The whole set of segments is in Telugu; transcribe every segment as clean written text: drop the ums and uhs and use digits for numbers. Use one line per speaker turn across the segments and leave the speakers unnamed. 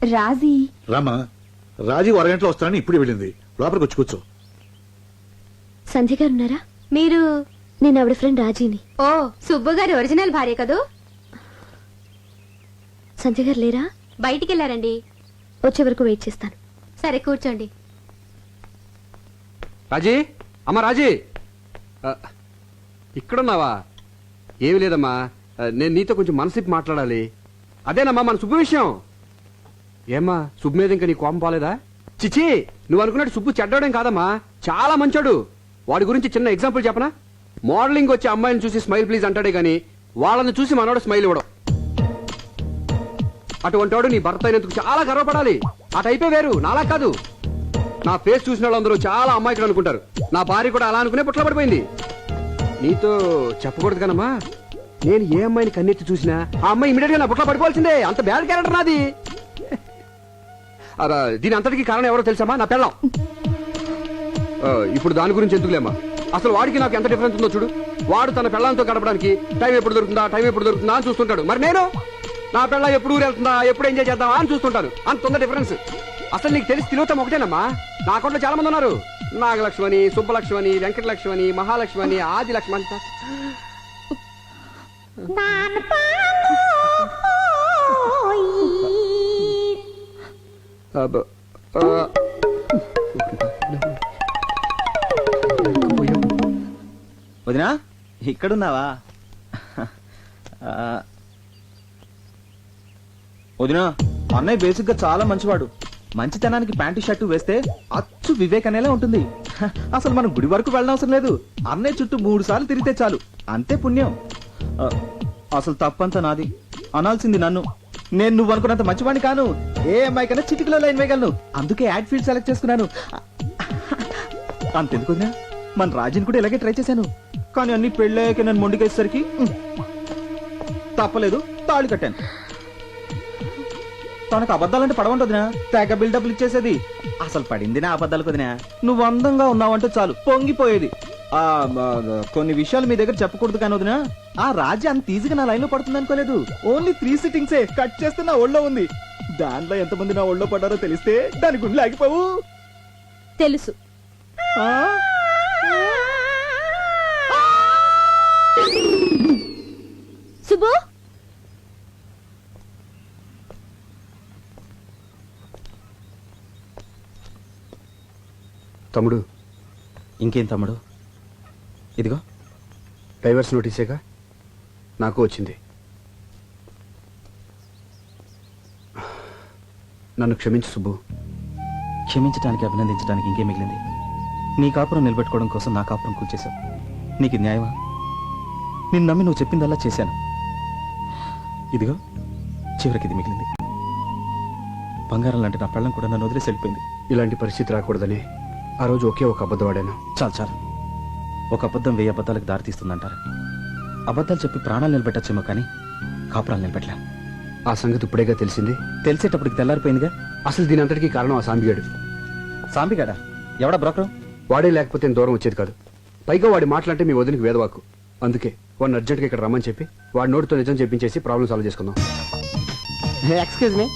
రాజీ
రామా, రాజీ అరగంటలో వస్తానని ఇప్పుడు వెళ్ళింది. లోపలికి వచ్చి కూర్చో.
సంధ్య గారు ఉన్నారా?
మీరు?
నేను ఆవిడ ఫ్రెండ్ రాజీని.
ఓ, సుబ్బు గారి ఒరిజినల్ భార్య కదూ?
సంధ్య గారు లేరా?
బయటికి వెళ్ళారండి.
వచ్చే వరకు వెయిట్ చేస్తాను.
సరే, కూర్చోండి.
రాజీ, అమ్మా రాజీ, ఇక్కడున్నావా? ఏమి లేదమ్మా, నేను నీతో కొంచెం మనసిప్పి మాట్లాడాలి. అదేనమ్మా మన సుబ్బు విషయం. ఏమ్మా, సుబ్బు మీద ఇంకా నీ కోపం పోలేదా? చిచి, నువ్వు అనుకున్నట్టు సుబ్బు చెడ్డోడేం కాదమ్మా, చాలా మంచోడు. వాడి గురించి చిన్న ఎగ్జాంపుల్ చెప్పనా? మోడలింగ్ వచ్చే అమ్మాయిని చూసి స్మైల్ ప్లీజ్ అంటాడే గాని వాళ్ళని చూసి మనోడు స్మైల్ ఇవ్వడం. అటువంటి వాడు నీ భర్త అయినందుకు చాలా గర్వపడాలి. ఆ టైపే వేరు, నాలా కాదు. నా ఫేస్ చూసిన వాళ్ళందరూ చాలా అమ్మాయికులు అనుకుంటారు. నా భార్య కూడా అలా అనుకునే పుట్ల పడిపోయింది. నీతో చెప్పకూడదు కనమ్మా, నేను ఏ అమ్మాయిని కన్నెత్తి చూసినా ఆ అమ్మాయి ఇమీడియట్ గా నా పుట్ల పడిపోవాల్సిందే. అంత బ్యాడ్ క్యారెక్టర్ నాది. దీని అంతటికి కారణం ఎవరో తెలుసామా? నా పెళ్ళం. ఇప్పుడు దాని గురించి ఎందుకులేమ్మా, అసలు వాడికి నాకు ఎంత డిఫరెన్స్ ఉందో చూడు. వాడు తన పెళ్ళంతో గడపడానికి టైం ఎప్పుడు దొరుకుతుందా అని చూస్తుంటాడు. మరి నేను నా పెళ్ళ ఎప్పుడు ఊరు వెళ్తుందా, ఎప్పుడు ఎంజాయ్ చేద్దామా అని చూస్తుంటాను. అంత ఉంది డిఫరెన్స్. అసలు నీకు తెలిసి తిరుగుతాం ఒకటేనమ్మా. నా అకౌంట్లో చాలా మంది ఉన్నారు. నాగలక్ష్మణి, సుబ్బలక్ష్మణి, వెంకటలక్ష్మణి, మహాలక్ష్మణి, ఆదిలక్ష్మణి.
వదినా, ఇక్కడున్నావా? వదినా, అన్నయ్య బేసిక్ గా చాలా మంచివాడు. మంచితనానికి ప్యాంటు షర్టు వేస్తే అచ్చు వివేక్ అనేలా ఉంటుంది. అసలు మనం గుడి వరకు వెళ్ళనవసరం లేదు. అన్నయ్య చుట్టూ 3 సార్లు తిరిగితే చాలు, అంతే పుణ్యం. అసలు తప్పంతా నాది, అనాల్సింది నన్ను. నేను నువ్వు అనుకున్నంత మంచివాడిని కాను. ఏ అమ్మాయి కన్నా చిటికలో లైన్ వేయగలను. అందుకే యాడ్ ఫీల్డ్ సెలెక్ట్ చేసుకున్నాను. అంతెందుకు వదినా, మన రాజుని కూడా ఇలాగే ట్రై చేశాను. కానీ అన్ని పెళ్ళాక నన్ను మొండికేసరికి తప్పలేదు, తాళి కట్టాను. తనకు అబద్ధాలంటే పడవంటదినా, తెగ బిల్డప్లు ఇచ్చేసేది. అసలు పడింది నా అబద్ధాలకు వదినా. నువ్వు అందంగా ఉన్నావంటే చాలు పొంగిపోయేది. కొన్ని విషయాలు మీ దగ్గర చెప్పకూడదు కానీ వదినా, ఆ రాజ్యం అంత ఈజీగా నా లైన్ లో పడుతుంది అనుకోలేదు. ఓన్లీ 3 సిట్టింగ్సే కట్ చేస్తే నా ఒళ్ళో ఉంది. దాంట్లో ఎంతమంది నా ఒళ్ళో పడ్డారో తెలిస్తే దాని గుండెలు ఆగిపోవు.
తెలుసు. సుబ్బు,
తమ్ముడు.
ఇంకేం తమ్ముడు? ఇదిగో
డైవర్స్ నోటీసేగా నాకు వచ్చింది. నన్ను క్షమించు సుబ్బు.
క్షమించడానికి, అభినందించడానికి ఇంకేం మిగిలింది? నీ కాపురం నిలబెట్టుకోవడం కోసం నా కాపురం కూల్చేశావు. నీకు న్యాయమా? నిన్ను నమ్మి నువ్వు చెప్పిందల్లా చేశాను. ఇదిగో చివరికి ఇది మిగిలింది. బంగారం లాంటి నా పెళ్ళం కూడా నన్ను వదిలేసి వెళ్ళిపోయింది.
ఇలాంటి పరిస్థితి రాకూడదని ఆ రోజు ఒకే ఒక అబద్ధం ఆడాను.
చాలు. ఒక అబద్ధం 1000 అబద్ధాలకు దారితీస్తుందంటారు. అబద్ధాలు చెప్పి ప్రాణాలు నిలబెట్టచ్చేమో కానీ కాపురాలు నిలబెట్టలే.
ఆ సంగతి ఇప్పుడేగా తెలిసింది.
తెలిసేటప్పటికి తెల్లారిపోయిందిగా.
అసలు దీని అంతటికీ కారణం ఆ సాంబిగాడు.
సాంబిగాడా? ఎవడా బ్రోకరు?
వాడే లేకపోతే దూరం వచ్చేది కాదు. పైగా వాడి మాటలంటే మీ వదినికి వేదవాకు. అందుకే వాడిని అర్జెంట్గా ఇక్కడ రమ్మని చెప్పి వాడి నోటితో నిజం చెప్పించేసి ప్రాబ్లం సాల్వ్ చేసుకుందాం.
ఎక్స్క్యూజ్ మీ,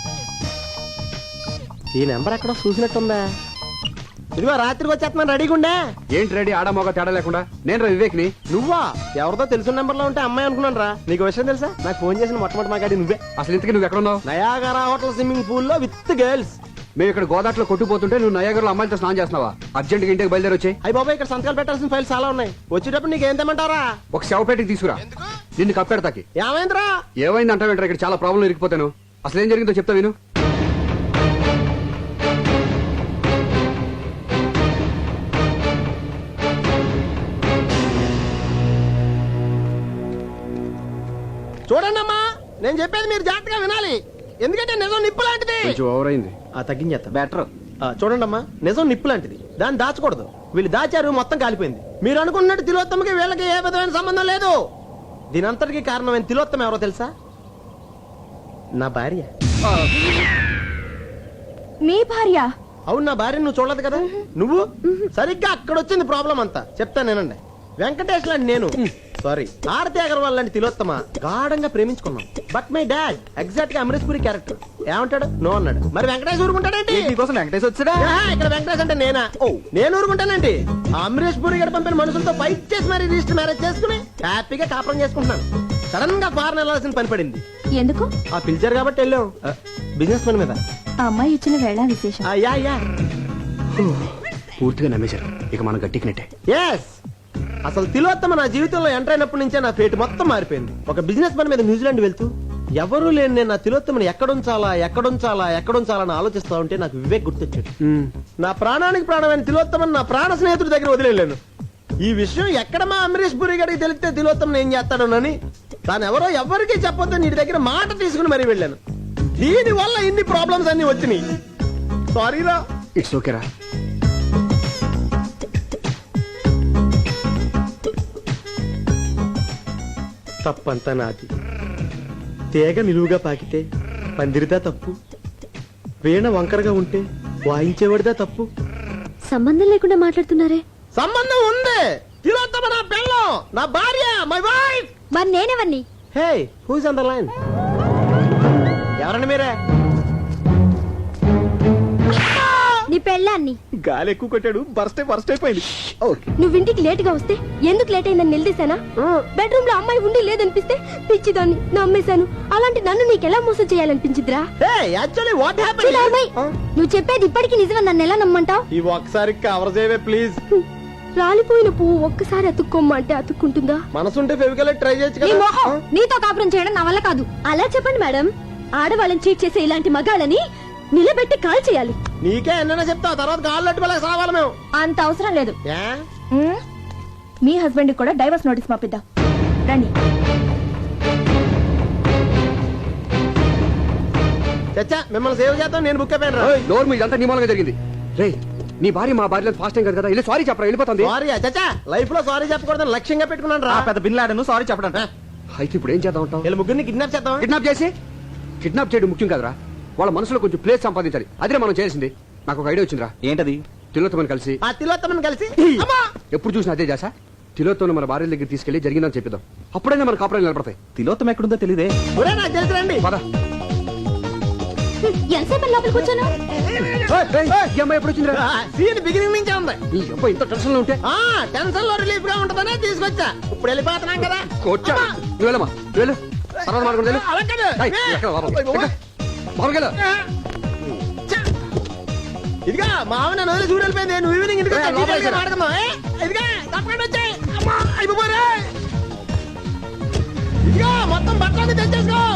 ఈ నెంబర్ ఎక్కడో చూసినట్టుందా? ఇదిగో రాత్రికి వచ్చేస్తున్నాను, రెడీగా ఉండే.
ఏంటి రెడీ? ఆడమోగ తేడా లేకుండా. నేను రా వివేక్ని.
నువ్వా? ఎవరితో తెలిసిన నెంబర్ లో ఉంటే అమ్మాయి అనుకున్నాను రా. నీకు విషయం తెలుసా? నాకు ఫోన్ చేసిన మొట్టమొదటి మాట్లాడి నువ్వే.
అసలు ఇంతకీ నువ్వు ఎక్కడ ఉన్నావు?
నయాగరా హోటల్ స్విమ్మింగ్ పూల్ లో విత్ గర్ల్స్.
మేము ఇక్కడ గోదాట్లో కొట్టుపోతుంటే నువ్వు నయాగర్లో అమ్మాయిలతో స్నానం చేస్తున్నావా? అర్జెంట్గా ఇంటికి బయలుదేరి వచ్చాయి.
అయ్యి బాబా, ఇక్కడ సంతకాలు పెట్టాల్సిన ఫైల్స్ చాలా ఉన్నాయి. వచ్చేటప్పుడు నీకు ఏం తెమ్మంటారా?
ఒక శవపేటకి తీసుకురా. నిన్ను కప్పెడతాకి.
ఏమైందిరా?
ఏమైంది అంటావేంటారా? ఇక్కడ చాలా ప్రాబ్లం ఇరికిపోతాను. అసలు ఏం జరిగిందో చెప్తా విను.
చూడండి అమ్మా, నేను చెప్పేది మీరు జాగ్రత్తగా వినాలి. ఎందుకంటే నిజం నిప్పు లాంటిది.
కొంచెం ఓవర్ అయింది.
తగ్గించేస్తా. బెటర్. చూడండి అమ్మా, నిజం నిప్పు లాంటిది, దాన్ని దాచకూడదు. వీళ్ళు దాచారు, మొత్తం కాలిపోయింది. మీరు అనుకున్నట్టు తిలోత్తమకి వీళ్ళకి ఏ విధమైన సంబంధం లేదు. దీనంతటికి కారణమైన తిలోత్తమ ఎవరో తెలుసా? నా భార్య.
మీ భార్య?
అవును, నా భార్య. నువ్వు చూడలేదు కదా. నువ్వు సరిగ్గా అక్కడ వచ్చింది ప్రాబ్లం అంతా. చెప్తాను నేనండి. వెంకటేష్ లాంటి నేను సారీ ఆరతి అగర్వాల్ లాంటి తిలోత్తమ గాఢంగా ప్రేమించుకున్నాం. బట్ మై డాడ్ ఎగ్జాక్ట్ గా అమరీష్ పురి క్యారెక్టర్. ఏమంటాడు? నో అన్నాడు. మరి వెంకటేష్ ఊరుకుంటాడేంటి?
నీకోసం వెంకటేష్ వచ్చాడా?
ఇక్కడ వెంకటేష్ అంటే నేనా? ఓ నేను ఊరుకుంటానండి. అమరీష్ పురి గారు పంపిన మనుషులతో ఫైట్ చేసి మరి రిజిస్టర్ మ్యారేజ్ చేసుకుని హ్యాపీగా కాపురం చేసుకుంటున్నాను. సడన్ గా ఫారెన్ వెళ్ళాల్సిన పని పడింది.
ఎందుకు?
ఆ పిలిచారు కాబట్టి వెళ్ళాం. బిజినెస్ పని మీద.
ఆ అమ్మాయి ఇచ్చిన వేళ విశేషం.
యా యా
పూర్తిగా నమ్మేశారు. ఇక మనం గట్టికినట్టే.
ఎస్ అసలు తిలోత్తమ నా జీవితంలో ఎంటర్ అయినప్పటి నుంచే నా ఫేట్ మొత్తం మారిపోయింది. ఒక బిజినెస్ పని మీద న్యూజిలాండ్ వెళ్తూ ఎవరూ లేని నేను నా తిలోత్తమని ఎక్కడుంచాలా అని ఆలోచిస్తా ఉంటే నాకు వివేక్ గుర్తొచ్చాడు. నా ప్రాణానికి ప్రాణమైన తిలోత్తమని నా ప్రాణ స్నేహితుడి దగ్గర వదిలేను. ఈ విషయం ఎక్కడ మా అమరీష్ పురి గారికి తెలిస్తే తిలోత్తమని ఏం చేస్తాడోనని తాను ఎవరికీ చెప్పొద్దు నీ దగ్గర మాట తీసుకుని మరీ వెళ్ళాను. దీని వల్ల ఇన్ని ప్రాబ్లమ్స్ అన్ని వచ్చినాయి. సారీరా.
ఇట్స్ ఓకేరా.
తప్పంతా నాది. తీగ నిలువుగా పాకితే పందిరిదా తప్పు, వీణ వంకరగా ఉంటే వాయించేవాడిదా తప్పు.
సంబంధం లేకుండా మాట్లాడుతున్నారే.
సంబంధం ఉంది. తిలోత్తమ నా పెళ్ళం, నా భార్య, మై వైఫ్.
మరి నేనెవరిని?
Hey who's on the line? ఎవరండి మీరే?
నీ పెళ్ళాన్ని.
గాలి ఎక్కువ కొట్టాడు, బర్స్ట్ అయిపోయింది.
నువ్వు ఇంటికి లేట్ గా వస్తే ఎందుకు లేట్ అయిందని నిలదీశానా? బెడ్రూమ్ లో అమ్మాయి ఉండి లేదనిపిస్తే పిచ్చిదాన్ని నమ్మేశాను. అలాంటి నన్ను నీకెలా మోసం చేయాలనిపించిద్రా?
Hey actually what happened?
చూడమ్మాయి, నువ్వు చెప్పేది ఇప్పటికీ నిజమని నన్ను ఎలా నమ్మంటావు?
ఈ ఒక్కసారి కవర్ చేయవే ప్లీజ్.
రాలిపోయిన పువ్వు ఒక్కసారి అతుక్కోమ్మంటే అతుక్కుంటుందా?
మనసుంటే ఫెవికల్ ట్రై చేయొచ్చు
నీ
కదా.
మొహం, నీతో కాపురం చేయడం నా వల్ల కాదు. అలా చెప్పండి మేడం. ఆడవాళ్ళని చీట్ చేసే ఇలాంటి మగాళ్ళని నిలబెట్టి కాల్ చేయాలి.
నీకే ఎన్నైనా చెప్తావు, తర్వాత కాళ్ళు అట్టుకోలేక సావాలి మేము.
అంత అవసరం లేదు.
ఏ?
మీ హస్బెండ్ కూడా డైవర్స్ నోటీస్ పంపిద్దాం రండి.
చచ్చా మిమ్మల్ని సేవ్ చేద్దాం. నేను బుక్ అయిపోయాను.
నోరు మీద ఇదంతా నిమాలంగా జరిగింది. రే నీ భార్య మా భార్య ఫాస్ట్ టైం కదా, వెళ్ళి సారీ చెప్పరా, వెళ్ళిపోతుంది.
సారీ చచ్చా, లైఫ్ లో సారీ చెప్పకూడదని లక్ష్యంగా పెట్టుకున్నాను రా.
పెద్ద బిన్లాడను సారీ చెప్పడం.
అయితే ఇప్పుడు ఏం చేద్దాం అంటావు?
వీళ్ళ ముగ్గురిని కిడ్నాప్ చేద్దాం.
కిడ్నాప్ చేయడం ముఖ్యం కదరా, వాళ్ళ మనసులో కొంచెం ప్లేస్ సంపాదించాలి. అదే మనం చేసింది. నాకు ఒక ఐడియా వచ్చిందిరా.
ఏంటది?
తిలోత్తమని కలిసి
ఆ తిలోత్తమని కలిసి అమ్మా!
ఎప్పుడు చూసినా అదే చేసా. తిలోత్తమని మన భార్య దగ్గర తీసుకెళ్లి జరిగిందని చెప్పిద్దాం. అప్పుడైనా మన కాపురాలు నిలబడతాయి.
తిలోత్తం ఎక్కడుందో తెలియదే.
ఒరే నాకు తెలుసు రండి.
పద.
ఎంతసేపు లోపలికి కూర్చోను?
ఈ అమ్మాయి ఎప్పుడు వచ్చిందిరా?
సీన్ బిగినింగ్ నుంచే ఉంది.
ఈ అబ్బాయి ఇంత టెన్షన్ లో ఉంటే
ఆ టెన్షన్ లో రిలీఫ్ గా ఉంటదనే తీసుకొచ్చా. ఇప్పుడు వెళ్ళిపోతున్నాం కదా.
కొట్టా. నువ్వు వెళ్ళమ్మా, నువ్వు వెళ్ళు. తర్వాత మాట్లాడుకుంటూ వెళ్ళు.
అలా కాదు.
ఏయ్, ఎక్కడ లోపలికి? ఎక్కడ? లోపలికి వెళ్ళు.
ఇదిగా మా ఆవిడ నన్ను వదిలి చూడు వెళ్ళిపోయింది. నువ్వు ఈవినింగ్ ఇంటికి వచ్చి
లోపలికి
డీటెయిల్గా మాట్లాడదాం. ఇదిగా తప్పకుండా వచ్చాయి. అమ్మా అయిపోరే. ఇదిగా మొత్తం బట్టలు తెచ్చేసుకో.